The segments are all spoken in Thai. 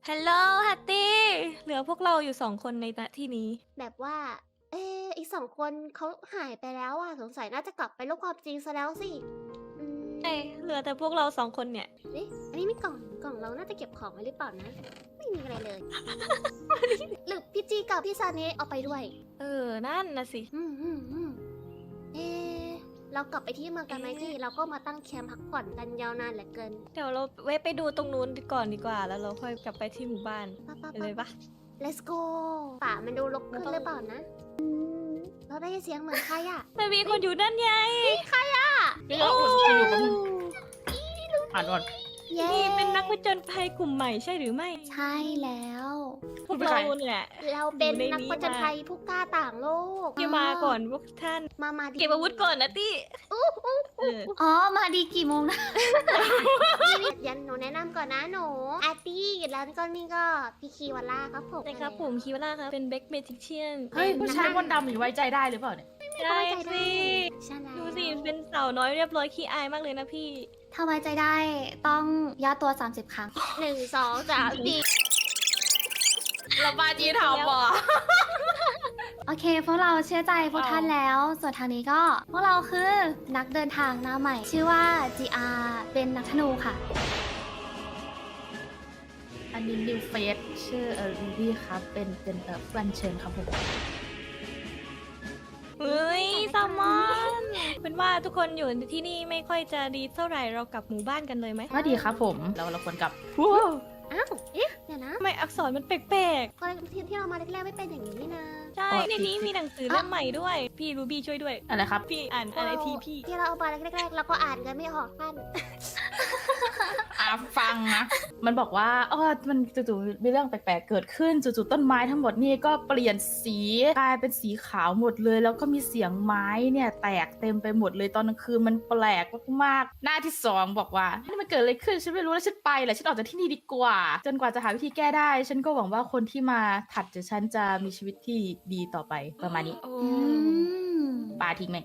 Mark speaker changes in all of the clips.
Speaker 1: ฮัลโหลฮัตตี้เหลือพวกเราอยู่2 คนในณที่นี้
Speaker 2: แบบว่า อีก2 คนเขาหายไปแล้วอะสงสัยน่าจะกลับไปโลกความจริงซะแล้วสิอื
Speaker 1: ใช่
Speaker 2: ม
Speaker 1: เหลือแต่พวกเรา2 คนเนี่ย
Speaker 2: เอ๊ะอันนี้มีกล่องเราน่าจะเก็บของไว้หรือเปล่านะ ไม่มีอะไรเลย หรือพี่จีกับพี่ซาเนะเอาไปด้วย
Speaker 1: นั่นนะสิ
Speaker 2: อืมเอ๊ะเรากลับไปที่เมืองกันไหมพี่ เราก็มาตั้งแคมป์พักผ่อนกันยาวนานเหลือเกิน
Speaker 1: เดี๋ยวเราแวะไปดูตรงนู้นก่อนดีกว่าแล้วเราค่อยกลับไปที่หมู่บ้าน
Speaker 2: ปะปะ
Speaker 1: ไปเลยปะ
Speaker 2: let's go ป่ามันดูรกขึ้นหรือเปล่านะเราได้ยินเสียงเหมือนใครอะ
Speaker 1: มันมีคนอยู่นั่นไง
Speaker 3: เดี๋ยวอยู่กับมึงอ่านก่อน
Speaker 2: เย้
Speaker 1: นี่เป็นนักผจญภัยกลุ่มใหม่ใช่หรือไม่
Speaker 2: ใช่แล้ว
Speaker 1: พวกเราเนี่ย
Speaker 2: เราเป็น
Speaker 1: อยู่ใน
Speaker 2: นัก
Speaker 1: นี้
Speaker 2: ผจญภัยผู้กล้าต่างโลก
Speaker 1: ที่มาก่อนพวกท่าน
Speaker 2: มาดี
Speaker 1: เก็บอาวุธก่อนนะตี้เออ
Speaker 4: อ๋อ มาดีกี่โมงนะ
Speaker 2: นี่ยันหนูแนะนำก่อนนะหนูอาร์ตี้แล้วก็นี่ก็พี่คีวาล่าครับผม
Speaker 1: นะครับผมคิวล่าครับเป็นเบคเมจิเชียน
Speaker 3: เฮ้ยผู้ชายมนต์ดำอยู่ไว้ใจได้หรือเปล่าเนี่ย
Speaker 1: ได้สิ
Speaker 2: ใช่แล้ว
Speaker 1: ดูสิเป็นสาวน้อยเรียบร้อยขี้อายมากเลยนะพี่
Speaker 4: ถ้าไว้ใจได้ต้องย่อตัว 30 ครั้ง
Speaker 2: 1 2 3 4
Speaker 3: เราบาจีทำว่ะ
Speaker 4: โอเค พวกเราเชื่อใจพวกท่านแล้ว ส่วนทางนี้ก็ พวกเราคือนักเดินทางหน้าใหม่ ชื่อว่า GR เป็นนักธนูค่ะ
Speaker 3: อันนี้นิวเฟสชื่อรูบี้ครับ เป็นเพื่อนเชิญครับผม
Speaker 1: เฮ้ยแซลมอนเป็นว่าทุกคนอยู่ที่นี่ไม่ค่อยจะดีเท่าไหร่เรากลับหมู่บ้านกันเลยไหม
Speaker 3: ก็ดีครับผม เราควรกลับ
Speaker 2: อ้าวเอ๊ะเดี๋ยวนะ
Speaker 1: ทำไมอักษรมันแปลก
Speaker 2: ก็ที่เรามาแรกๆไม่เป็นอย่างนี้นี่นะ
Speaker 1: ๆ ใช่ในนี้มีหนังสือเล่มใหม่ด้วย พี่รูบี้ช่วยด้วย
Speaker 3: อะไรครับ
Speaker 1: พี่อ่านอะไรทีพี่
Speaker 2: ที่เราเอามาแรกๆเราก็อ่านกันไม่ออกท่าน
Speaker 3: ฟังนะ มันบอกว่ามันจู่ๆมีเรื่องแปลกๆเกิดขึ้นจู่ๆต้นไม้ทั้งหมดนี่ก็เปลี่ยนสีกลายเป็นสีขาวหมดเลย แล้วก็มีเสียงไม้เนี่ยแตกเต็มไปหมดเลยตอนกลางคืนมันแปลกมากๆหน้าที่2บอกว่านี่มันเกิดอะไรขึ้นฉันไม่รู้แล้วฉันไปแหละฉันออกจากที่นี่ดีกว่า จนกว่าจะหาวิธีแก้ได้ ฉันก็หวังว่าคนที่มาถัดจากฉันจะมีชีวิตที่ดีต่อไปประมาณนี้
Speaker 1: โอ้
Speaker 4: อืม
Speaker 3: ปาทิ้งไหม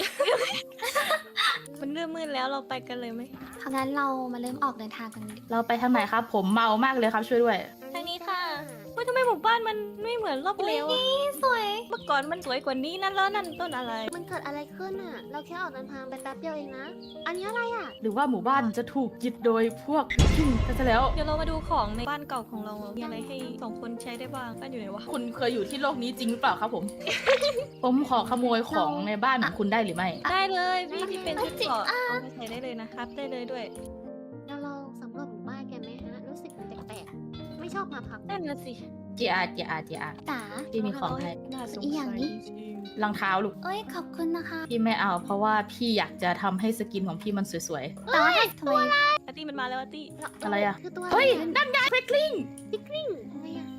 Speaker 1: มันเริ่มมืดแล้วเราไปกันเลยไหม
Speaker 4: เพราะงั้นเรามาเริ่มออกเดินทางกันดี
Speaker 3: เราไปทางไหนครับ ผมเมามากเลยครับช่วยด้วย
Speaker 1: ทางนี้ค่ะเฮ้ยทำไมหมู่บ้านมันไม่เหมือนรอบที่แล้วอะ
Speaker 4: สวย
Speaker 1: เมื่อก่อนมันสวยกว่านี้นั่นแล้วนั่นต้นอะไร
Speaker 2: มันเกิดอะไรขึ้นอ่ะ เราแค่ออกเดินทางไปแป๊บเดียวเองนะ อันนี้อะไรอ่ะ
Speaker 3: หรือว่าหมู่บ้านจะถูกยึดโดยพวกวิกิ้งกันซะแล้ว
Speaker 1: เดี๋ยวเรามาดูของในบ้านเก่าของเรามีอะไรให้2 คนใช้ได้บ้างบ้านอยู่ไหนวะ
Speaker 3: คุณเคยอยู่ที่โลกนี้จริงหรือเปล่าครับผม ผมขอขโมยของในบ้านของคุณได้หรือไม่
Speaker 1: ได้เลยพี่ที่เป็นชุดเกราะเอาไปใส่ได้เลยนะครับได้เลยด้วย
Speaker 2: เราลองสำรวจหมู่บ้านกันไหมฮะ รู้สึกมันแปลกๆ ไม่ชอบมาพัก
Speaker 1: นั่นน่ะสิ
Speaker 3: GR
Speaker 4: จ๋า
Speaker 3: พี่มีของให้
Speaker 1: น่าสง
Speaker 4: อีกอย่าง
Speaker 1: สัย
Speaker 4: นี้
Speaker 1: จริง
Speaker 3: รองเท้าลูก
Speaker 4: เอ้ย ขอบคุณนะคะ
Speaker 3: พี่ไม่เอา เพราะว่าพี่อยากจะทำให้สกินของพี่มันสวย
Speaker 4: แต่ว่าทำไม
Speaker 1: อาร์ตี้มันมาแล้วอาร์ตี้
Speaker 3: อะไรอะ
Speaker 2: คือตัว
Speaker 3: ๆ เฮ้ย นั่นไงเฟกลิง
Speaker 2: ทำไมอ่ะ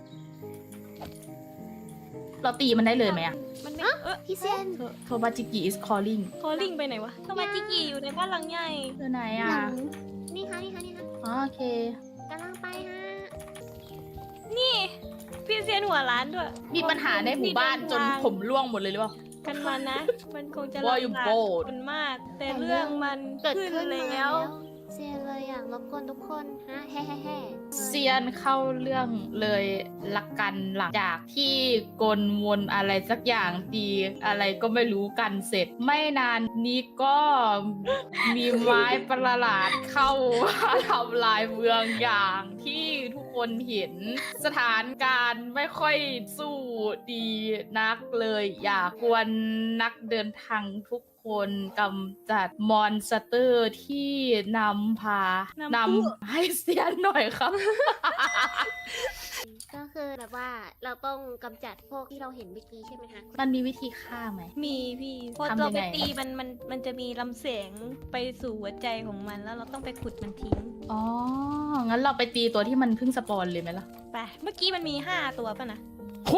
Speaker 3: เราตีมันได้เลยไหมอะ
Speaker 1: มันไม่
Speaker 2: พี่เซน
Speaker 3: โทบาจิกิ is calling
Speaker 1: คอลิงไปไหนวะโทมาจิกิอยู่ในบ้านหลังใหญ่
Speaker 3: คือไหน
Speaker 4: ห
Speaker 3: อะ
Speaker 4: ลัง
Speaker 2: นี่คะนี่คะนี่คะ
Speaker 3: อ๋อโอเค
Speaker 2: กำลังไปฮะ
Speaker 1: นี่พี่เซียนหัวร้านด้วย
Speaker 3: มีปัญหาในหมู่บ้านจนผมร่วงหมดเลยหรือเปล่า
Speaker 1: กันมานะ มันคงจะ
Speaker 3: Why you
Speaker 1: ลำบาก
Speaker 3: bold
Speaker 1: คนมาก แต่เรื่องมัน
Speaker 2: เกิด
Speaker 1: ขึ้น
Speaker 2: ขึ้น
Speaker 1: แล้ว
Speaker 2: เซียนเลยอ่ะรบกวนทุกคนฮะแฮ่แฮ่แฮ่
Speaker 3: เซียนเข้าเรื่องเลยละกันหลังจากที่กลวนอะไรสักอย่างตีอะไรก็ไม่รู้กันเสร็จ ไม่นานนี้ก็มีไม้ประหลาดเข้ามาทำลายเมืองอย่างที่ทุกคนเห็นสถานการณ์ไม่ค่อยสู้ดีนักเลย อยากกวนนักเดินทางทุกคนกำจัดมอนสเตอร์ที่นำให้เสียหน่อยครับ
Speaker 2: ก็คือแบบว่าเราต้องกำจัดพวกที่เราเห็นเมื่อกี้ใช่ไหมคะ
Speaker 3: มันมีวิธีฆ่าไหม
Speaker 1: มีพี่พอ
Speaker 3: ทำยังไง
Speaker 1: เราไปตีมันจะมีลำแสงไปสู่หัวใจของมันแล้วเราต้องไปขุดมันทิ้ง
Speaker 3: อ๋อ งั้นเราไปตีตัวที่มันเพิ่งสปอนเลยไหมล่ะ
Speaker 1: ไปเมื่อกี้มันมี5 ตัวป่ะนะ
Speaker 3: โอ้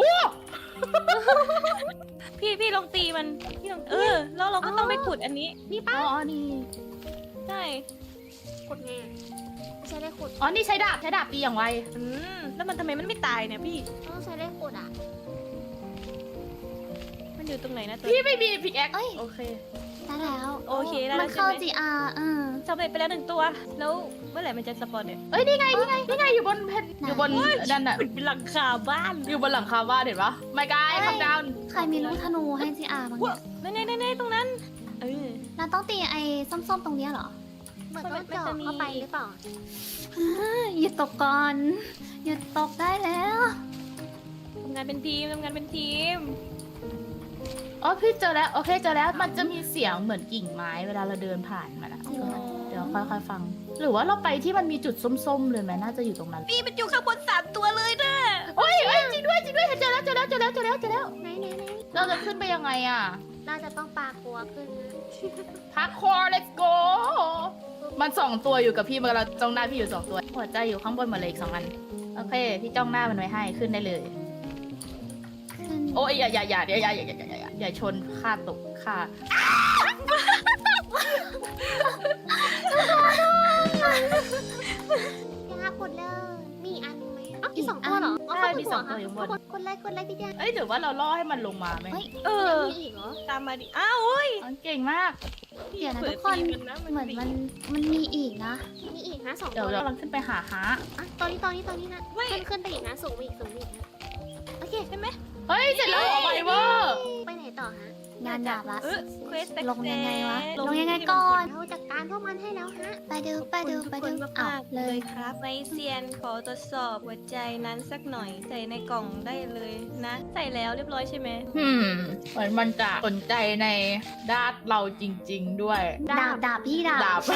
Speaker 1: พี่ลองตีมันพี่ลองแล้วเราก็ต้องไปขุดอันนี้
Speaker 2: นี่
Speaker 3: อ๋
Speaker 2: ป้า
Speaker 3: อนี่
Speaker 1: ใช่
Speaker 2: ขุดไงไม่ใช่ได้ขุด
Speaker 3: อ๋อ นี่ใช้ดาบตีอย่างไว
Speaker 1: แล้วมันทำไมมันไม่ตายเนี่ยพี่
Speaker 2: ต้องใช้ได้ขุดอ่ะ
Speaker 1: มันอยู่ตรงไหนนะตัว
Speaker 3: พี่ไม่มีพิกแอค
Speaker 4: เอ้ย
Speaker 3: โอเค
Speaker 4: ได้แล้ว
Speaker 1: โอเคได้
Speaker 4: มั
Speaker 1: แล้
Speaker 4: น
Speaker 1: วใช่
Speaker 4: เข้า
Speaker 1: ไหม
Speaker 4: GR
Speaker 1: สำเร็จไปแล้ว1 ตัว แล้วเมื่อไหร่มันจะสปอนเนี่ย
Speaker 3: เอ้ยนี่ไงอยู่บนเพนอยู่บนนั่นน่ะ
Speaker 1: เป็นหลังคาบ้าน
Speaker 3: อยู่บนหลังคาบ้านเห็นปะไม่กายคัมดาวน์
Speaker 4: ใครมีลูกธนูให้จีอาบ้างเนี่ย
Speaker 1: นั่นตรงนั้นเออ
Speaker 4: เราต้องตีไอ้ส้มๆตรงเนี้ยเหรอ
Speaker 2: เหมือนต้องเจาะเข้าไปหรือเปล่า
Speaker 4: หยุดตกก่อนหยุดตกได้แล้ว
Speaker 1: ทำงานเป็นทีม
Speaker 3: อ๋อพี่เจอแล้วโอเคเจอแล้วมันจะมีเสียงเหมือนกิ่งไม้เวลาเราเดินผ่านมันอะเดี๋ยวค่อยๆฟัง หรือว่าเราไปที่มันมีจุดส้มๆเลยไหมน่าจะอยู่ตรงนั้น
Speaker 1: พี่มันอยู่ข้างบน3 ตัวเลยนะ
Speaker 3: โอ้ยจริงด้วยเจอแล้ว
Speaker 2: ไหน
Speaker 3: เราจะขึ้นไปยังไงอะ
Speaker 2: น่าจะต้องปลากลัวขึ้นนะ
Speaker 3: พักคอ let's go มัน2 ตัวอยู่กับพี่มันเราจ้องหน้าพี่อยู่2 ตัวหัวใจอยู่ข้างบนหมดเลยอีก2 อันโอเคพี่จ้องหน้ามันไว้ให้ขึ้นได้เลย
Speaker 4: ขึ้น
Speaker 3: โอ้ยอย่าชนค่าตกค่า
Speaker 2: ยากหมดเลยมีอันไหมอ๋ออีก2 ตัวเหรออ๋อ
Speaker 3: ใช่
Speaker 2: เขา
Speaker 3: มี
Speaker 2: หัว
Speaker 3: 2 ตัวอยู่บน
Speaker 2: กดไลค์พี่แจ๊
Speaker 3: เอ้ยหรือว่าเราล่อให้มันลงมาไหม
Speaker 1: เออ
Speaker 2: ยังมีอีกเหรอ
Speaker 1: ตามมาดิอ้าวเฮ้ย
Speaker 3: อ๋อเก่งมาก
Speaker 4: เดี๋ยวนะ
Speaker 1: เปิ
Speaker 4: ทุ
Speaker 1: ด
Speaker 4: กคน
Speaker 1: ทีนะ
Speaker 4: เหมือนมันมีอีกนะ
Speaker 2: มีอีกนะ2
Speaker 3: เดี๋ยว
Speaker 2: ตัว
Speaker 3: เรากำลังขึ้นไปหาฮะ
Speaker 2: อ่ะตอนนี้นะขึ้นไปอีกนะสูงไปอีกนะโอเค
Speaker 1: ใช่ไหม
Speaker 3: เฮ้ยเสร็จแล้วเหรอไวเวอร์
Speaker 2: ไปไหนต่อฮะ
Speaker 4: งานหยาบละ
Speaker 1: เควส
Speaker 4: ลงยังไงวะลงยังไงก่อน
Speaker 2: เราจัดการพวกมันให้แล้วฮะ
Speaker 4: ไปดู
Speaker 1: ทุกคน
Speaker 4: เอา
Speaker 1: มากๆ
Speaker 4: เล
Speaker 1: เลย ยครับไมเซียนขอตรวจสอบหัวใจนั้นสักหน่อยใส่ในกล่องได้เลยนะ ใส่แล้วเรียบร้อยใช่ไหม
Speaker 3: เหมือนมันจะสนใจในด้านเราจริง ๆด้วย
Speaker 4: ดาบพี่ดาบ
Speaker 3: ดาบ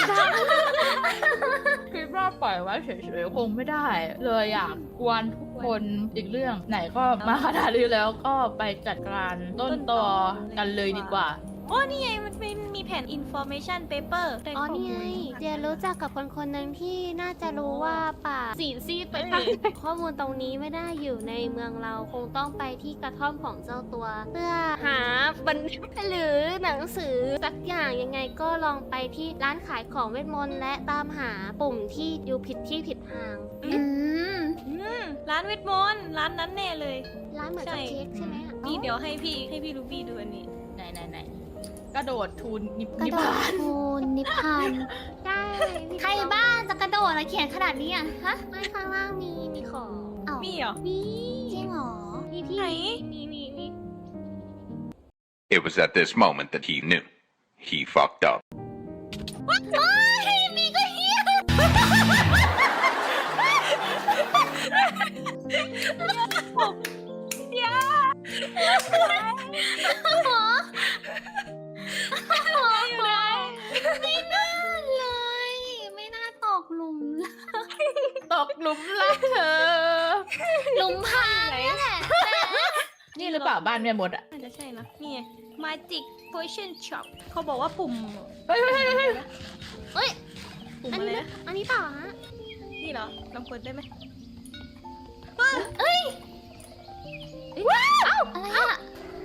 Speaker 3: คิดว่าปล่อยไว้เฉยๆคงไม่ได้ เลยอยากกวนทุกคนอีกเรื่องไหนก็มาขนาดนี้แล้วก็ไปจัดการต้นตอกันเลยดีกว่า
Speaker 1: โอ้นี่ไงมันมีแผ่น information paper ได้
Speaker 2: อ๋อ
Speaker 1: ข้
Speaker 2: นี่ไง
Speaker 1: มูล
Speaker 2: เดียรู้จักกับคนหนึ่งที่น่าจะรู้ว่าป่าสีซีดไปทางข้อมูลตรงนี้ไม่ได้อยู่ในเมืองเราคงต้องไปที่กระท่อมของเจ้าตัว เพื่อหาบันหรือหนังสือสักอย่างยังไงก็ลองไปที่ร้านขายของเวทมนต์และตามหาปุ่มที่อยู่ผิดที่ผิดทาง
Speaker 4: อืม
Speaker 1: ร้านเวทมนต์ร้านนั้นแน่เลย
Speaker 2: ร้านเหมือนกับ
Speaker 1: ใช่
Speaker 2: เค้กใช่ไหมอะ
Speaker 1: นี่เดี๋ยวให้พี่รูบี้ดูอันนี้
Speaker 3: ไหนกระโดดทูนนิ
Speaker 4: กระ
Speaker 3: พ
Speaker 4: โด
Speaker 3: พา
Speaker 4: ด
Speaker 3: น
Speaker 4: ทูลนิพพาน
Speaker 2: ใช่พี่
Speaker 4: ใครบ้านจะกระโดดอะไรเขียนขนาดนี้อ่ะฮะ
Speaker 2: ไม่ข้างล่างมีของ
Speaker 4: เอ้า
Speaker 1: มีเหรอ
Speaker 2: มี
Speaker 4: จริงเหรอ
Speaker 2: มีพี่
Speaker 1: ไหน
Speaker 2: มี
Speaker 5: It was at this moment that he knew. He fucked up.
Speaker 4: มีก็เฮีย ไม่น่าเลย ไม่น่าตกหลุม
Speaker 3: ตกหลุมรักเธอ
Speaker 4: หลุมพรางเนี่ยแหละ
Speaker 3: นี่หรือเปล่าบ้านแม่มดอ่ะ
Speaker 1: น่าจะใช่นะนี่ไง Magic Potion Shop เขาบอกว่าปุ่ม
Speaker 3: เฮ้ย
Speaker 1: ปุ่ม
Speaker 2: อัน
Speaker 1: อะไร
Speaker 2: นี้
Speaker 1: นะ
Speaker 2: อันนี้เปล่าฮะ
Speaker 1: นี่เหรอลองเปิดได้ไหม
Speaker 4: อะไรอ่ะ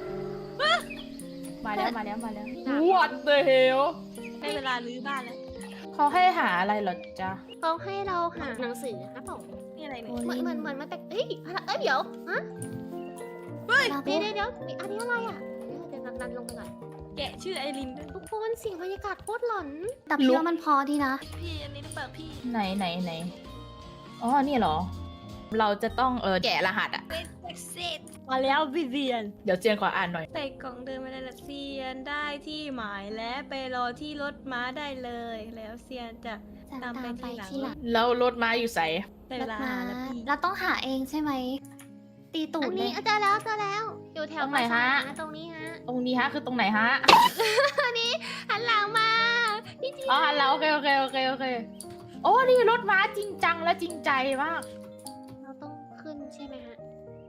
Speaker 3: มาแล้วWhat the hell
Speaker 1: ได้เวลารื้อบ้านแล้ว
Speaker 3: เขาให้หาอะไรเหรอจ๊ะ
Speaker 2: เขาให้เราหาหนังสือครับผม
Speaker 1: นี่อะไรเนี่ย
Speaker 2: เหมือนมันแต่เอ้ยอะไรเดี๋ยวฮะ
Speaker 4: เรา
Speaker 2: เดี๋ยวมีอันนี้อะไรอ่ะเดี๋ยวดันลงไปก่อน
Speaker 1: แกะชื่อไอรินด้วย
Speaker 2: ทุกคนเสียงบรรยากาศโคตรหลอน
Speaker 4: แต่พี่ว่ามันพอดีนะ
Speaker 1: พี่อันนี้หรือเปล่าพี่
Speaker 3: ไหนอ๋อนี่เหรอ เราจะต้องแกะรหัสอ่ะ
Speaker 1: เป็นเซตมาแล้วพี่เซียน
Speaker 3: เดี๋ยวเจียนขออ่านหน่อย
Speaker 1: ใส่กล่องเดินมาได้ละเซียนได้ที่หมายและไปรอที่รถม้าได้เลย แล้วเซียนจะ
Speaker 4: จะ
Speaker 1: ตาม
Speaker 4: ตาม
Speaker 1: ไป
Speaker 4: ไป
Speaker 1: ทีหลัง
Speaker 4: ที่หลัง
Speaker 3: แล้วรถม้าอยู่ใส
Speaker 1: ได้
Speaker 4: ร
Speaker 1: เว
Speaker 4: ถ
Speaker 1: ลา
Speaker 4: มา
Speaker 1: หาแล้วพี่
Speaker 4: เราต้องหาเองใช่ไหม ตีตู
Speaker 2: อั
Speaker 4: ด
Speaker 2: น
Speaker 4: เล
Speaker 2: นี้
Speaker 4: ย
Speaker 2: เจอแล้วอยู่แถว
Speaker 3: ตรงไหนฮะ
Speaker 2: ปราสาทตรงนี้ฮะ
Speaker 3: ตรงนี้ฮะคือตรงไหนฮะ
Speaker 2: หันหลังมาพี่จี
Speaker 3: อ๋อแล้วโอเคโอ้นี่รถม้าจริงจังและจริงใจมาก
Speaker 2: เราต้องขึ้นใช่ไหมฮะ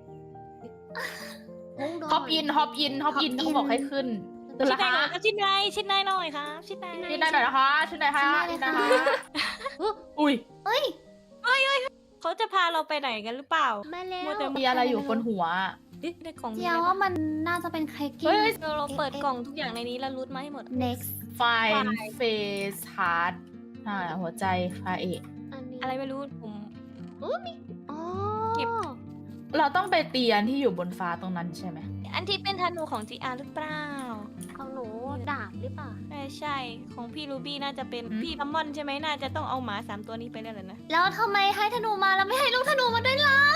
Speaker 3: ฮอปอินเขาบอกให้ขึ้น
Speaker 1: ชิ้น
Speaker 3: ละ
Speaker 1: ไหน
Speaker 3: คะ
Speaker 1: หน่อยครับชิ้นไหนหน่อยครับชิ้นไหน
Speaker 3: ชิ้นได้หน่อยนะคะชิ้นได้ค่ะชิ้นได้ค่ะอุ้ย
Speaker 1: เขาจะพาเราไปไหนกันหรือเปล่า
Speaker 2: มาแล้
Speaker 1: มั
Speaker 2: ว
Speaker 1: วแต่
Speaker 3: มีอะไรอยู่บนหัว
Speaker 1: เอ๊ะได้ของ
Speaker 4: เจียวว่ามันน่าจะเป็นเค้ก
Speaker 3: เฮ้
Speaker 4: กิ้ง
Speaker 3: ย
Speaker 1: เราเปิดกล่องทุกอย่างในนี้แล้วรูทมาให้หมด
Speaker 4: next
Speaker 3: Fine Face Heart หัวใจไฟเอก
Speaker 2: อันนี้
Speaker 1: อะไรไม่รู้ผม
Speaker 2: อ๋อ
Speaker 1: เก็บ
Speaker 3: เราต้องไปเตียนที่อยู่บนฟ้าตรงนั้นใช่ไหม
Speaker 1: อันที่เป็นธนูของ GR หรือเปล่า
Speaker 2: ของหนูดาบหรือเปล่า
Speaker 1: ใช่ใช่ของพี่รูบี้น่าจะเป็นพี่ซัมมอนใช่ไหมน่าจะต้องเอาหมา3ตัวนี้ไปแล้วเหรอนะ
Speaker 4: แล้วทำไมให้ธนูมาแล้วไม่ให้ลูกธนูมาด้วยล่ะ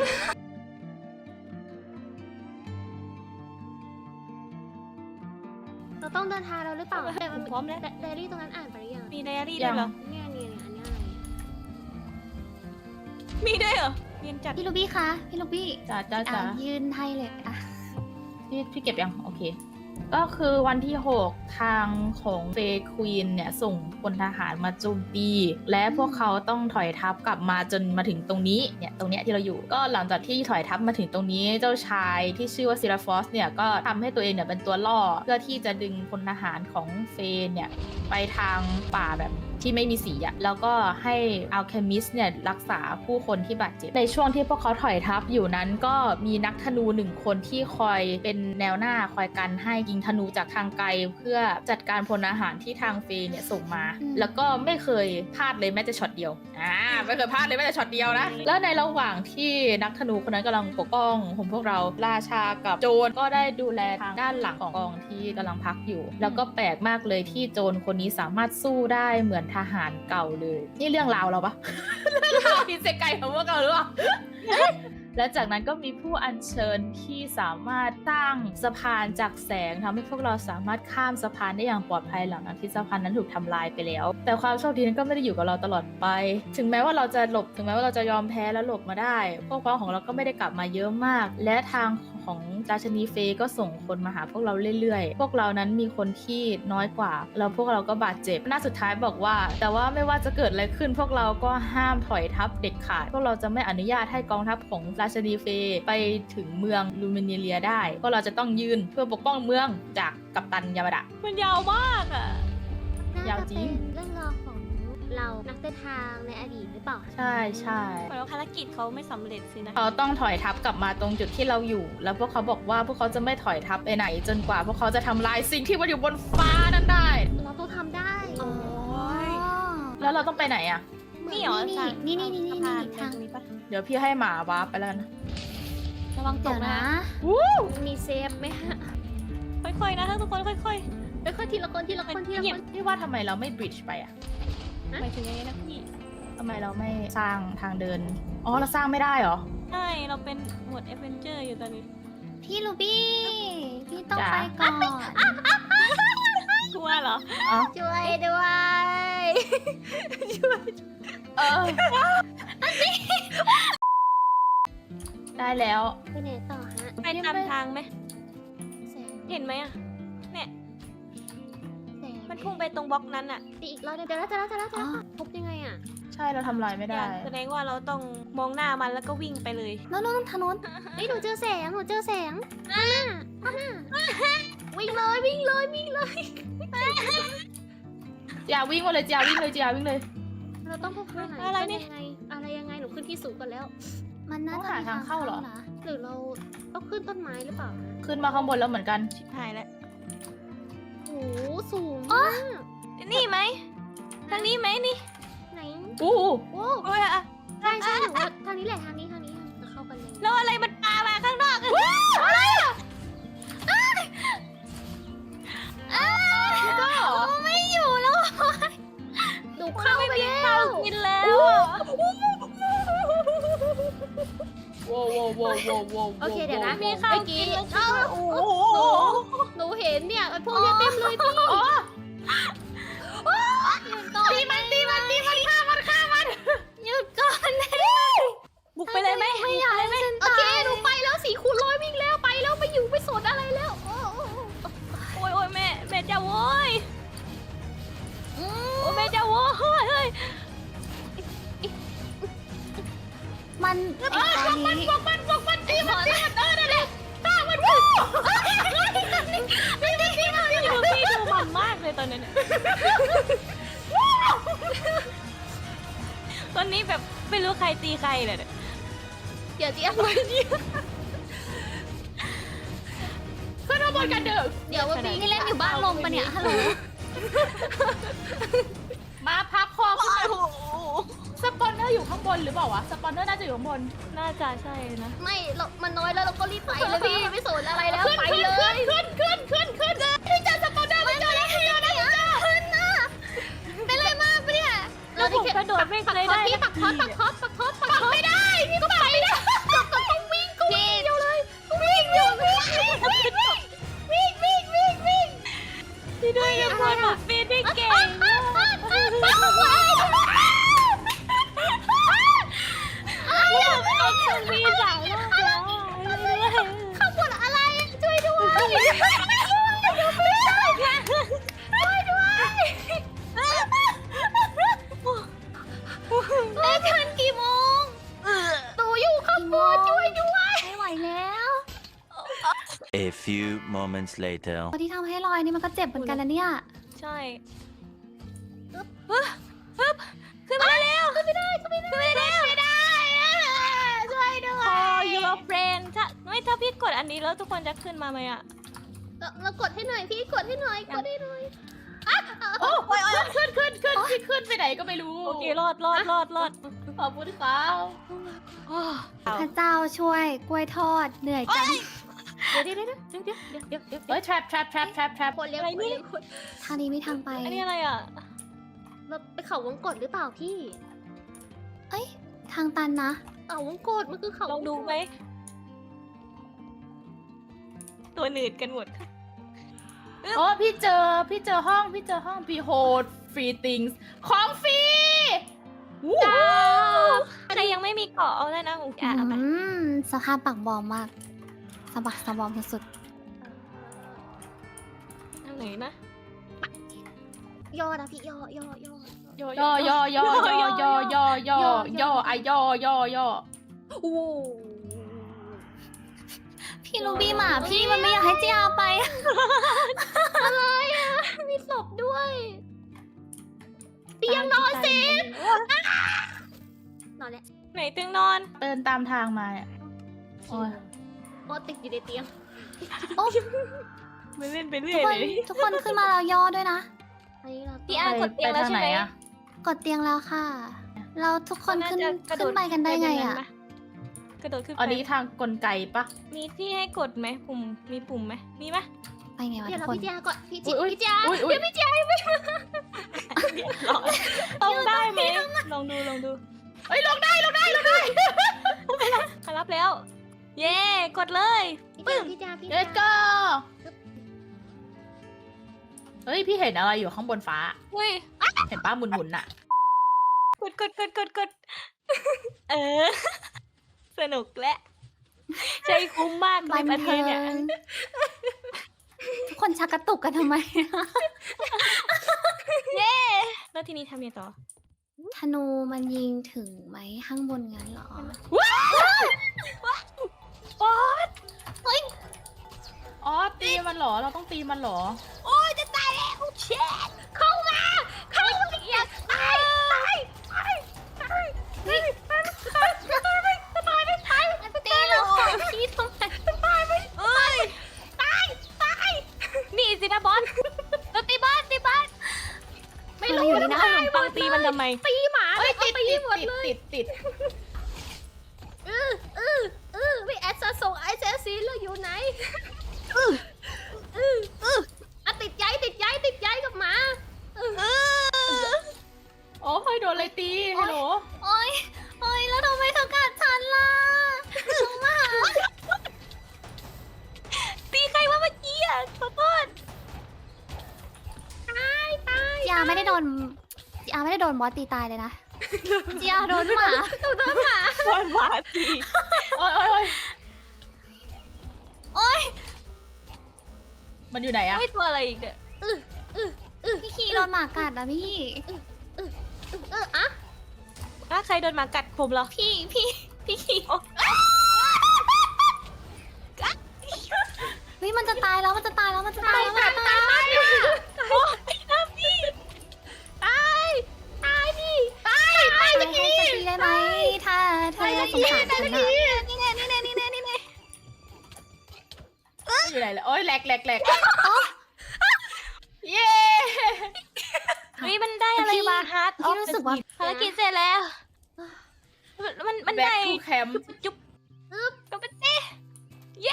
Speaker 2: เราต้องเดินทางแล้วหรือเปล่าแต่
Speaker 1: ผ
Speaker 2: มัน
Speaker 1: มพร้อมแล้ว
Speaker 2: ไดอารี่ตรงนั้นอ่านไปหรือยัง
Speaker 1: มีไดอารี่ด้วยเหรอ
Speaker 2: เนี่ยอันนี้อะไร
Speaker 1: มีด้วยเหรอเรียนจัด
Speaker 4: พี่ลูบี้คะพี่ลูบี้
Speaker 3: จ้าจ้า
Speaker 4: อ่ะ
Speaker 3: จ้า
Speaker 4: ยืนให้เลยอ่ะ
Speaker 3: พี่เก็บยัง โอเค ก็คือวันที่ 6 ทางของเฟย์ควีนเนี่ย ส่งพลทหารมาโจมตี และพวกเขาต้องถอยทัพกลับมาจนมาถึงตรงนี้เนี่ยตรงเนี้ยที่เราอยู่ ก็หลังจากที่ถอยทัพมาถึงตรงนี้เจ้าชายที่ชื่อว่าซิราฟอสเนี่ยก็ทำให้ตัวเองเนี่ยเป็นตัวล่อ เพื่อที่จะดึงพลทหารของเฟย์เนี่ยไปทางป่าแบบที่ไม่มีสีอะแล้วก็ให้อัลเคมิสเนี่ยรักษาผู้คนที่บาดเจ็บในช่วงที่พวกเขาถอยทัพอยู่นั้นก็มีนักธนู1 คนที่คอยเป็นแนวหน้าคอยกันให้ยิงธนูจากทางไกลเพื่อจัดการพลอาหารที่ทางเฟย์เนี่ยส่งมา แล้วก็ไม่เคยพลาดเลยแม้แต่ช็อตเดียวไม่เคยพลาดเลยแม้แต่ช็อตเดียวนะแล้วในระหว่างที่นักธนูคนนั้นกำลังปกป้องพวกเราราชากับโจรก็ได้ดูแลทางด้านหลังของกองที่กำลังพักอยู่ แล้วก็แปลกมากเลยที่โจรคนนี้สามารถสู้ได้เหมือนทหารเก่าเลยนี่เรื่องราวเราปะ เรื่องราวอิเซไกของพวกเราหรือเปล่า และจากนั้นก็มีผู้อัญเชิญที่สามารถสร้างสะพานจากแสงทำให้พวกเราสามารถข้ามสะพานได้อย่างปลอดภัยหลังจากที่สะพานนั้นถูกทำลายไปแล้ว แต่ความโชคดีนั้นก็ไม่ได้อยู่กับเราตลอดไป ถึงแม้ว่าเราจะหลบถึงแม้ว่าเราจะยอมแพ้แล้วหลบมาได้พวกพ้องของเราก็ไม่ได้กลับมาเยอะมาก และทางของราชนีเฟย์ก็ส่งคนมาหาพวกเราเรื่อยๆพวกเรานั้นมีคนที่น้อยกว่าแล้วพวกเราก็บาดเจ็บหน้าสุดท้ายบอกว่าแต่ว่าไม่ว่าจะเกิดอะไรขึ้นพวกเราก็ห้ามถอยทัพเด็ดขาดพวกเราจะไม่อนุญาตให้กองทัพของราชนีเฟย์ไปถึงเมืองลูมิเนียได้พวกเราจะต้องยืนเพื่อปกป้องเมืองจากกัปตันยามาดะ
Speaker 1: มันยาวมากอ่ะ
Speaker 2: น่าย
Speaker 3: าว
Speaker 2: จะ
Speaker 3: จริ
Speaker 2: เป็น
Speaker 3: ง
Speaker 2: เรื่องราวของเรานักเดินทางในอดีตหรือเปล่า
Speaker 3: ใช่ใช่
Speaker 1: แล้วภารกิจเขาไม่สำเร็จสินะ
Speaker 3: เขาต้องถอยทัพกลับมาตรงจุดที่เราอยู่ แล้วพวกเขาบอกว่าพวกเขาจะไม่ถอยทัพไปไหน จนกว่าพวกเขาจะทำลายสิ่งที่มันอยู่บนฟ้านั้นได้
Speaker 2: เราต้องทำได้
Speaker 4: อ๋อ
Speaker 3: แล้วเราต้องไปไหนอ่ะ
Speaker 1: นี่เหรอ
Speaker 4: นี่
Speaker 1: ทาง
Speaker 4: นี่
Speaker 1: สะพาน
Speaker 4: ทาง
Speaker 1: ตรงนี้ปะ
Speaker 3: เดี๋ยวพี่ให้หมาวาร์ปไปแล้วกันนะ
Speaker 1: ระวังต
Speaker 4: เดี๋ย
Speaker 1: ก
Speaker 4: ว
Speaker 1: นะ
Speaker 4: นะ
Speaker 2: มีเซฟไหมฮะ
Speaker 1: ค่อยๆนะทุกคนค่อย
Speaker 2: ค่อยๆทีละคนทีละคนทีละคน
Speaker 3: พี่ว่าทำไมเราไม่บริดจ์ไปอ่ะ
Speaker 1: ๆหมายถึงยังไงนะพี่
Speaker 3: ทำไมเราไม่สร้างทางเดิน อ๋อ เราสร้างไม่ได้เหรอ
Speaker 1: ใช่เราเป็นหมวด a อ v e n เจอร์อยู่ตอนนี้
Speaker 4: พี่ลูบี้พี่ต้อง
Speaker 3: จ๋า
Speaker 4: ไปก่อน
Speaker 1: กลัวเหรอ
Speaker 3: อ๋อ
Speaker 2: ช่วยด้วย
Speaker 3: เออได้แล้ว
Speaker 2: ไปไหนต่อฮะ
Speaker 1: ไปตามทางไหม
Speaker 2: แสง
Speaker 1: เห็นไหมอ่ะเนี่ย
Speaker 2: แสง
Speaker 1: มันพุ่งไปตรงบล็อกนั้นอ่ะ
Speaker 2: ตีอีกรอบเดี๋ยวแล้วพบยังไงอ่ะ
Speaker 3: ใช่เราทำลายไม่ได้
Speaker 1: แสดงว่าเราต้องมองหน้ามันแล้วก็วิ่งไปเลย
Speaker 4: โน้นทางโน้น
Speaker 2: เฮ้ยหนูเจอแสงข้างหน้าวิ่งเลย
Speaker 3: อย่าวิ่งมาเลยอย่าวิ่งเลยอย่าวิ่งเลย
Speaker 2: เราต้องพบทางไหน
Speaker 1: อะไรนี่
Speaker 2: อะไรยังไงหนูขึ้นที่สูงก่อนแล้ว
Speaker 4: มันน่า
Speaker 3: ต้อง
Speaker 4: จะ
Speaker 3: หา
Speaker 4: มี
Speaker 3: ทางเข้าเหรอ
Speaker 4: นะ
Speaker 2: หรือเราต้องขึ้นต้นไม้หรือเปล่าฮะ
Speaker 3: ขึ้นมาข้างบนแล้วเหมือนกัน
Speaker 1: ชิบหายแล้ว
Speaker 2: โอ้โหสูงมาก
Speaker 1: นี่ไหมทางนี้ไหมนี่
Speaker 2: ไหน
Speaker 3: อู้
Speaker 2: โอ้
Speaker 1: โอ้ยอะ
Speaker 2: ใช่หนูว่าทางนี้แหละทางนี้จะเข้ากันเลย
Speaker 1: แล้วอะไรมันปามาข้างนอกอะ
Speaker 4: ไม่อยู่แล้ว
Speaker 2: หนูเข้าไปแล้ว
Speaker 1: กินแล้วอะ
Speaker 3: โว้โว้โว้โว้โว้
Speaker 2: โอเคเดี๋ยวนะ
Speaker 3: มี
Speaker 1: ข้าวกินแล้วคิดว่าโอ้โห
Speaker 2: หนูเห็นเนี่ยไอ้พวกเนี้ยเต็มเลยพี่
Speaker 4: หยุดก่อน
Speaker 1: บุกไปเลยไหม
Speaker 4: ไม่อยากให้ฉัน
Speaker 2: โอ
Speaker 4: ตา
Speaker 2: เค
Speaker 4: ย
Speaker 2: หนูไปแล้ว4 คูณ 100วิ่งแล้วไปแล้วไม่อยู่ไม่สนอะไรแล้ว
Speaker 1: โอ้ยโอ้ยแม่จะโว้ยโอ้ยแม่จะโว้ยเฮ้ย
Speaker 4: มันพวกมันตีมัน
Speaker 1: พี่ลูบี้ดูมันมากเลยตอนนั้นเนี่ยตอนนี้แบบไม่รู้ใครตีใครเลยเนี่ย
Speaker 2: เดี๋ยวจะอะไรเนี่ย
Speaker 3: ขึ้นมาบนกันเด้อ
Speaker 2: เดี๋ยวว่าปี
Speaker 4: นี่เล่นอยู่บ้านลมปะเนี่ยฮัลโหล
Speaker 3: มาพับคอขึ้นมาสปอนเนอร์อยู่ข้างบนหรือเปล่าวะสปอนเนอร์น่าจะอยู่ข้างบน
Speaker 1: น่าจะใช่นะ
Speaker 2: ไม่เรามันน้อยแล้วเราก็รีบไปเลยพี่ไม่สนอะไรแล้วไปเลย
Speaker 3: ขึ้นพี่เจอสปอนเนอร์ไม่เจอแล้วพี่เจอแล้ว
Speaker 1: ผมกระโดดไม่เคยได้
Speaker 2: พี่ปักทอดไม่ได้พี่ก็ไปไม่ได้ก็ต้องวิ่งก็วิ่งเดียวเลยวิ่ง
Speaker 1: พี่ด้วยอย่าพูดแบบปีนได้เก่งมากมีสามรอบแล้ว
Speaker 2: ข้าวบดอะไรช่วยด้วยแม่ทันกี่โมงตูอยู่ข้างบนช่วยด้วย
Speaker 4: ไม่ไหวแล้ว
Speaker 6: A few moments later.
Speaker 4: ตอนที่ทำให้ลอยนี่มันก็เจ็บเหมือนกันนะเนี่ย
Speaker 1: ใช่ขึ้นมาแล้วขึ้นไม่ได้แล้ว
Speaker 2: ไม่ได้ช่วยด้วย
Speaker 1: พอ your friend ถ้าพี่กดอันนี้แล้วทุกคนจะขึ้นมาไหมอะ
Speaker 2: เรากดให้หน่อยพี่กดให้หน่อย
Speaker 3: โอ้ยขึ้นพี่ขึ้นไปไหนก็ไม่รู้
Speaker 1: โอเครอด
Speaker 3: ขอบคุณครับ
Speaker 4: พระเจ้าช่วยกล้วยทอดเหนื่อยจัง
Speaker 1: เดี๋ยว
Speaker 3: เฮ้ย trap
Speaker 2: คนเลี้ยง
Speaker 1: อะไรนี่
Speaker 4: ทางนี้ไม่ทางไป
Speaker 1: อันนี้อะไรอ่ะ
Speaker 2: เราไปเขาวงกดหรือเปล่าพี่
Speaker 4: ทางตันนะ
Speaker 2: เขาวงกดมันคือเขา
Speaker 1: ลองดูไหมตัวหนืดกันหมด
Speaker 3: โอ้พี่เจอห้อง behold free things ของฟรี
Speaker 1: ใครยังไม่มีเกาะเอาได้นะของแกเอาไป
Speaker 4: สภาพปากบอมมากสะบักสะบอมสุด
Speaker 1: ทางไหนนะ
Speaker 2: ย่อนะพี่ย่อ
Speaker 3: ย่อ
Speaker 2: โอ้
Speaker 4: ๆพี่ลูบี้หมาพี่มันไม่อยากให้เจียไป
Speaker 2: มีศพด้วยเตียงนอนสินอนแล้ว
Speaker 1: ไหนเตียงนอน
Speaker 3: เดินตามทางมาเนี่ยโอ้ย
Speaker 2: โอ้ติดอยู่ในเตียง
Speaker 1: ไม่เล่นไป
Speaker 4: ทุ
Speaker 1: เรื่
Speaker 4: ก
Speaker 1: อย
Speaker 4: คน
Speaker 1: เลย
Speaker 4: ทุกคนขึ้นมาแล้วย่อด้วยนะ
Speaker 2: อันนี้เรา
Speaker 1: พี่อาร์กดเตียงแล้วใช่ไหม
Speaker 3: อะ
Speaker 4: กดเตียงแล้วค่ะ เราทุกคนขึ้น
Speaker 1: าจะกระโด
Speaker 4: ขึ้
Speaker 1: ด
Speaker 4: นไปกันได้ไงอ่ะ
Speaker 1: กระโดดขึ้นไป
Speaker 3: อันนี้ทางกลไกปะ
Speaker 1: มีที่ให้กดไหมมีปุ่มไหมมีไหม
Speaker 4: ไปไงวะ
Speaker 2: เดี๋ยว
Speaker 4: ทุ
Speaker 2: เรา
Speaker 4: กคน
Speaker 2: พี่เจียก่อนพี่เจีย
Speaker 3: อุ๊ย
Speaker 2: พี่เจีย
Speaker 3: อุ๊ย
Speaker 2: เดี๋ยวพี่เจีย
Speaker 1: ต้องได้ไหมลองดู
Speaker 3: เฮ้ยลงได้
Speaker 1: มารับแล้ว เย่กดเลย
Speaker 2: พี่เจีย
Speaker 3: Let's go เฮ้ยพี่เห็นอะไรอยู่ข้างบนฟ้า
Speaker 1: อุ้ย
Speaker 3: เห็นป้าหมุนๆน่ะ
Speaker 1: กดสนุกและใช้คุ้มมาก
Speaker 4: บัน
Speaker 1: ประเท
Speaker 4: เทิ
Speaker 1: ศเนี่ย
Speaker 4: งทุกคนชักกระตุกกันทำไม
Speaker 1: แล้วทีนี้ทำยังไงต่อ
Speaker 4: ธนูมันยิงถึงไหมข้างบนงั้นเหรอ
Speaker 3: อ๋อตีมันเหรอ เราต้องตีมันเหรอ
Speaker 1: โอ้ยจะตายแล้วเช็ดเข้ามาอย่าตาย
Speaker 4: ตีเราพี่ทำไม
Speaker 1: นี่สินะบอสเราตีบ้าน
Speaker 4: ไม่รู้อยู่นี่นะ
Speaker 1: ขนมปังตีมันทำไม
Speaker 2: ตีหมา
Speaker 3: เฮ้ยติด
Speaker 2: ตีหมดเลย
Speaker 3: ติด
Speaker 2: ไม่แอดซาส่งไอเซซีแล้วอยู่ไหนติดย้ายกับหมา
Speaker 3: โอ้ยโดนอะไรตีฮัลโหล
Speaker 4: โอ๊ยแล้วทำไมเธอกัดฉันล่ะน้องหมา
Speaker 1: ตีใครวะเมื่อกี้อ่ะขอโทษ
Speaker 4: จีอาไม่ได้โดนบอสตีตายเลยนะจีอาโดนหมา
Speaker 1: โดนหมาตี
Speaker 3: โอ้ย
Speaker 4: โอ๊ย
Speaker 3: มันอยู่ไหนอะ
Speaker 1: ไม่ตัวอะไรอีกเนี่ย
Speaker 4: พี่คีโดนหมากัดอะพี่
Speaker 1: ใครโดนหมากัดผมเหรอ
Speaker 4: พี่คีเฮ้ยมันจะตายแล้ว
Speaker 1: โอ้ยน้ำพี่
Speaker 4: จะตีได้ไหมถ้าเธอสงสารฉันอะ
Speaker 1: นี่แน่
Speaker 3: อยู่ไหนเลยโอ้ยแหลกเย้
Speaker 1: เฮ้ยมันได้อะไรมาฮาร์ดออ
Speaker 4: พี่
Speaker 1: ฟ
Speaker 4: รู้สึกว่า
Speaker 1: ภารกิจเสร็จแล้วมัน
Speaker 3: แบ็ค
Speaker 1: ได้
Speaker 3: ทูแคมป์
Speaker 1: จุ๊บก็เป็นเต้เย้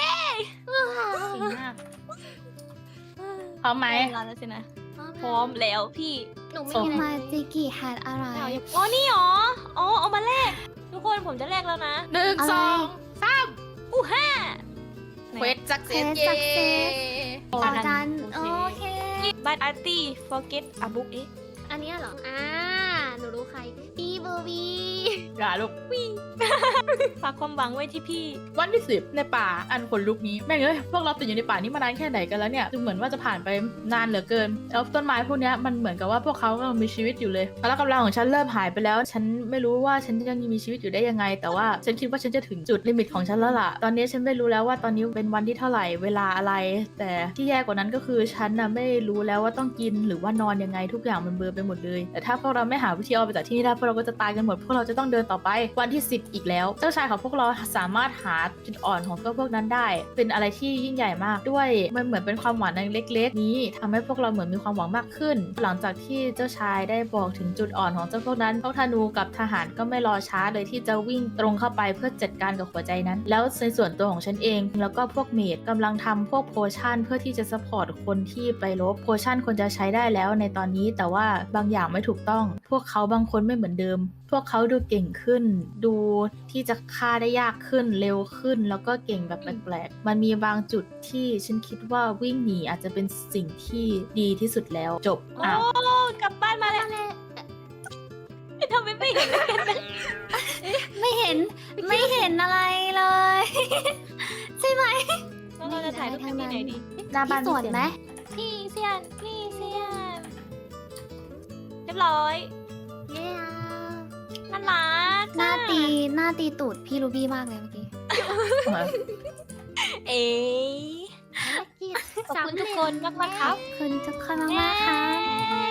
Speaker 3: พร้อมไหม
Speaker 1: ได้เวลาแล้วสินะพร้อมแล้วพี่
Speaker 2: หนูไม่
Speaker 3: ส่ง
Speaker 2: มีอะไร
Speaker 4: มาจิกิแฮดอะไร
Speaker 1: อ๋อนี่หรออ๋อเอามาแลกทุกคนผมจะแลกแล้วนะ
Speaker 3: 1
Speaker 4: อะไร
Speaker 3: 2 3
Speaker 1: อู้ห้า
Speaker 3: เควสสักเซส
Speaker 4: Quest
Speaker 3: เย้
Speaker 4: success ต่อกันโอเค
Speaker 1: บัตอาร์ตี้ forget a book เอ๊ะ
Speaker 2: อันเนี้ยเหรอหนูรู้ใครพี่บูบี
Speaker 3: อย่าลูก
Speaker 1: ฝากความหวังไว้ที่พี่
Speaker 3: วันที่ 10 ในป่าอันขนลุกนี้แม่งเอ้ยพวกเราติดอยู่ในป่านี้มานานแค่ไหนกันแล้วเนี่ยดูเหมือนว่าจะผ่านไปนานเหลือเกินแล้วต้นไม้พวกเนี้ยมันเหมือนกับว่าพวกเขากำลังมีชีวิตอยู่เลยพละกำลังของฉันเริ่มหายไปแล้ว ฉันไม่รู้ว่าฉันจะยังมีชีวิตอยู่ได้ยังไง แต่ว่าฉันคิดว่าฉันจะถึงจุดลิมิตของฉันแล้วล่ะตอนนี้ฉันไม่รู้แล้วว่าตอนนี้เป็นวันที่เท่าไหร่เวลาอะไร แต่ที่แย่กว่านั้นก็คือฉันน่ะไม่รู้แล้วว่าต้องกินหรือว่านอนยังไงทุกอย่างมันเบลอไปหมดเลยแต่ถ้าพวกเราไม่หาวิธีออกไปจากที่นี่ได้พวกเราก็จะตายกันหมดพวกเราจะต้องเดินต่อไปวันที่ 10 อีกแล้วเจ้าชายของพวกเราสามารถหาจุดอ่อนของพวกนั้นได้ เป็นอะไรที่ยิ่งใหญ่มากด้วยมันเหมือนเป็นความหวังเล็กๆนี้ทำให้พวกเราเหมือนมีความหวังมากขึ้น หลังจากที่เจ้าชายได้บอกถึงจุดอ่อนของเจ้าพวกนั้นพวกธนูกับทหารก็ไม่รอช้าเลยที่จะวิ่งตรงเข้าไปเพื่อจัดการกับหัวใจนั้น แล้วในส่วนตัวของฉันเองแล้วก็พวกเมดกำลังทำพวกโพชั่นเพื่อที่จะซัพพอร์ตคนที่ไปรบโพชั่นควรจะใช้ได้แล้วในตอนนี้แต่ว่าบางอย่างไม่ถูกต้องพวกเขาบางคนไม่เหมือนเดิม พวกเขาดูเก่งขึ้น ดูที่จะฆ่าได้ยากขึ้นเร็วขึ้น แล้วก็เก่งแบบแปลกๆมันมีบางจุดที่ฉันคิดว่าวิ่งหนีอาจจะเป็นสิ่งที่ดีที่สุดแล้วจบ
Speaker 1: โอ้
Speaker 3: อ้าว
Speaker 1: กลับบ้านมาแล้วทำไมไม่เห็นกันนะ
Speaker 4: ไม่เห็นไม่เห็นอะไรเลย ใช่ไหม
Speaker 1: แล้วเราจะถ่ายรูปกันที่ไหนดี
Speaker 3: หน้าบ้าน
Speaker 4: พี่สวนไหม
Speaker 1: พี่เซียนเรียบร้อย
Speaker 2: เย้
Speaker 1: น่ารัก
Speaker 4: หน้าตีตูดพี่รูบี้มากเลยเมื่อกี้
Speaker 1: เอ๊ะ
Speaker 2: ภารกิจ
Speaker 1: ขอบคุณทุกคนมากๆครับ
Speaker 4: ขอบคุณทุกคนมากๆค่ะ
Speaker 1: เย้